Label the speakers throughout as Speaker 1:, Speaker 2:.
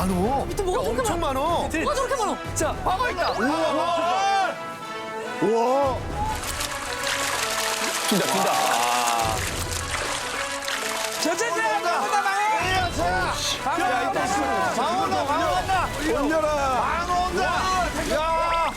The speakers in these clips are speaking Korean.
Speaker 1: 많어.
Speaker 2: 밑에 뭐가 저렇게
Speaker 1: 엄청
Speaker 2: 많아?
Speaker 1: 많어.
Speaker 2: 뭐가 저렇게 많아?
Speaker 3: 자, 방어 있다.
Speaker 1: 우와.
Speaker 3: 튄다. 저쪽에 방어다, 방어. 야, 이따
Speaker 1: 방어다. 올려라.
Speaker 4: 방어 온다. 야.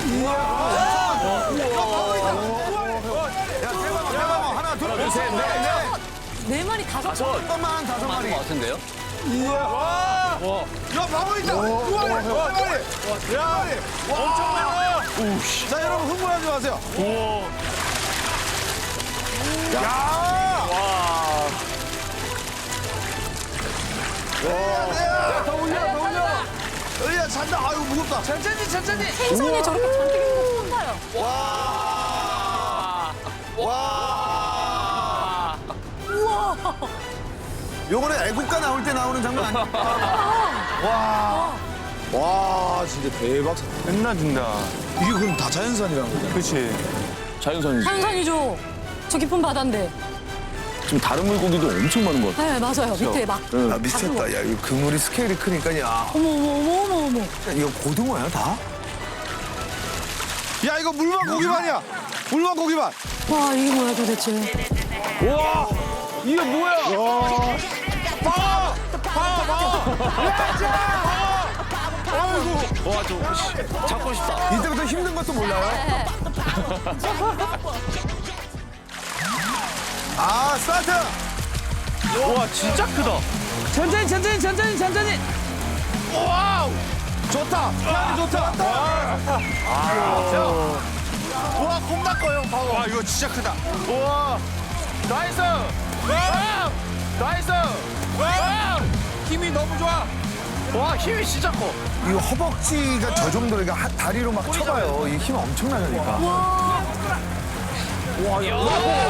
Speaker 1: 야, 대방어. 하나, 둘, 셋, 넷.
Speaker 2: 네 마리 다섯 번.
Speaker 1: 잠깐만, 5마리.
Speaker 3: 것 같은데요?
Speaker 4: 야, 방어 있다. 두 마리. 야, 엄청 많아. 자, 여러분 흥분하지 마세요. 야. 야, 더 올려. 으야, 잔다. 아유, 무겁다.
Speaker 3: 천천히.
Speaker 2: 생선이 저렇게 잔뜩 있는 거 처음 봐요.
Speaker 4: 와.
Speaker 2: 우와.
Speaker 1: 요거는 애국가 나올 때 나오는 장면 아니야?
Speaker 4: 와, 진짜 대박.
Speaker 1: 끝나준다.
Speaker 4: 이게 그럼 다 자연산이라는 거잖아.
Speaker 1: 그렇지.
Speaker 3: 자연산이지.
Speaker 2: 자연산이죠. 저 깊은 바다인데.
Speaker 3: 지금 다른 물고기도 엄청 많은 것 같아.
Speaker 2: 네, 맞아요. 밑에 막.
Speaker 1: 아, 미쳤다. 야, 이거 그물이 스케일이 크니까, 야.
Speaker 2: 어머.
Speaker 1: 이거 고등어야, 다?
Speaker 4: 야, 이거 물만 고기반이야. 물만 고기반.
Speaker 2: 와, 이게 뭐야 도대체.
Speaker 4: 와, 이게 뭐야?
Speaker 3: 와, 잡고 싶다.
Speaker 1: 이때부터 힘든 것도 몰라요?
Speaker 2: 네.
Speaker 1: 아, 스타트!
Speaker 3: 와, 진짜 크다. 천천히.
Speaker 4: 와우. 좋다. 향이 좋다. 와, 겁나 커요, 방어. 와, 이거 진짜 크다.
Speaker 3: 우와. 나이스. 나이스. 힘이 너무 좋아. 와, 힘이 진짜 커.
Speaker 1: 이거 허벅지가 저 정도로 그러니까 다리로 막 쳐봐요. 이 힘 엄청나니까.
Speaker 3: 와, 야.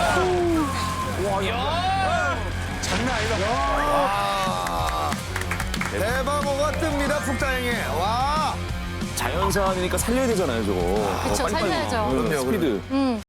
Speaker 1: 장난 아니다. 와. 대방어가 뜹니다, 북다행에. 와.
Speaker 3: 자연산이니까 살려야 되잖아요, 저거.
Speaker 2: 그쵸,
Speaker 3: 빨리빨리.
Speaker 2: 살려야죠.
Speaker 3: 응, 스피드.